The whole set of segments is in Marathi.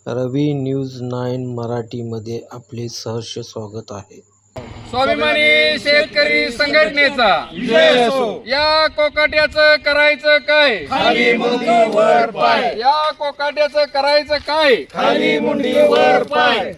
रवी न्यूज 9 मराठीमध्ये आपले सहर्ष स्वागत आहे. स्वाभिमानी शेतकरी संघटनेचा विजय असो. या कोकाट्याचं करायचं काय? खाली मुंडी वर पाय. या कोकाट्याचं करायचं काय? खाली मुंडी वर पाय.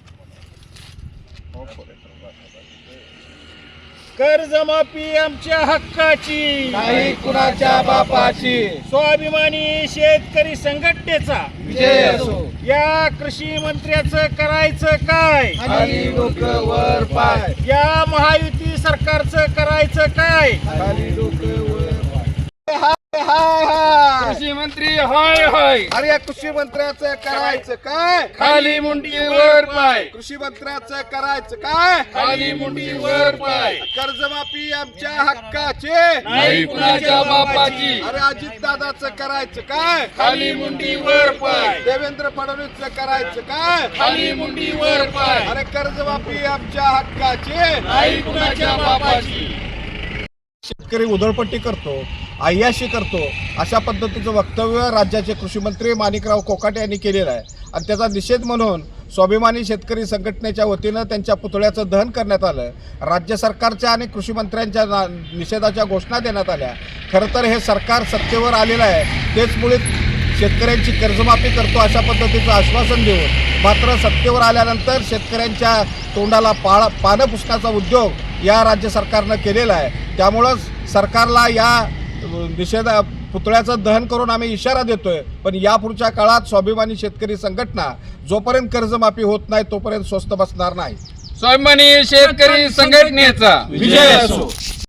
कर्जमाफी आमच्या हक्काची, नाही कुणाच्या बापाची. स्वाभिमानी शेतकरी संघटनेचा विजय असो. या कृषी मंत्र्याचं करायचं काय? खाली डोकं वर पाय. या महायुती सरकारचं करायचं काय? खाली डोकं वर पाय. हाय हाय हाय. कृषी मंत्री हाय हाय. अरे या कृषी मंत्र्याचं करायचं काय? खाली मुंडी वर पाय. कृषी मंत्र्याचं करायचं काय? खाली मुंडी वर पाय. कर्जमाफी आमच्या हक्काचे, नाही कुणाच्या बापाची. अरे अजित दादाचं करायचं काय? खाली मुंडी वर पाय. देवेंद्र फडणवीसचं करायचं काय? खाली मुंडी वर पाय. अरे कर्जमाफी आमच्या हक्काचे, नाही कुणाच्या बापाची. शेतकरी उधळपट्टी करतो, अय्याशी करतो, अशा पद्धतीचं वक्तव्य राज्याचे कृषी मंत्री माणिकराव कोकाटे यांनी केलेलं आहे. आणि त्याचा निषेध म्हणून स्वाभिमानी शेतकरी संघटनेच्या वतीनं त्यांच्या पुतळ्याचं दहन करण्यात आलं. राज्य सरकारच्या आणि कृषी मंत्र्यांच्या निषेधाच्या घोषणा देण्यात आल्या. खरं तर हे सरकार सत्तेवर आलेलं आहे, तेचमुळे शेतकऱ्यांची कर्जमाफी करतो अशा पद्धतीचं आश्वासन देऊन मात्र सत्तेवर आल्यानंतर शेतकऱ्यांच्या तोंडाला पानं पुसण्याचा उद्योग या राज्य सरकारनं केलेला आहे. त्यामुळंच सरकारला या पुतळ्याचं दहन करून आम्ही इशारा देतोय, पण यापुढच्या काळात स्वाभिमानी शेतकरी संघटना जोपर्यंत कर्जमाफी होत नाही तोपर्यंत स्वस्थ बसणार नाही. स्वाभिमानी शेतकरी संघटनेचा विजय असो.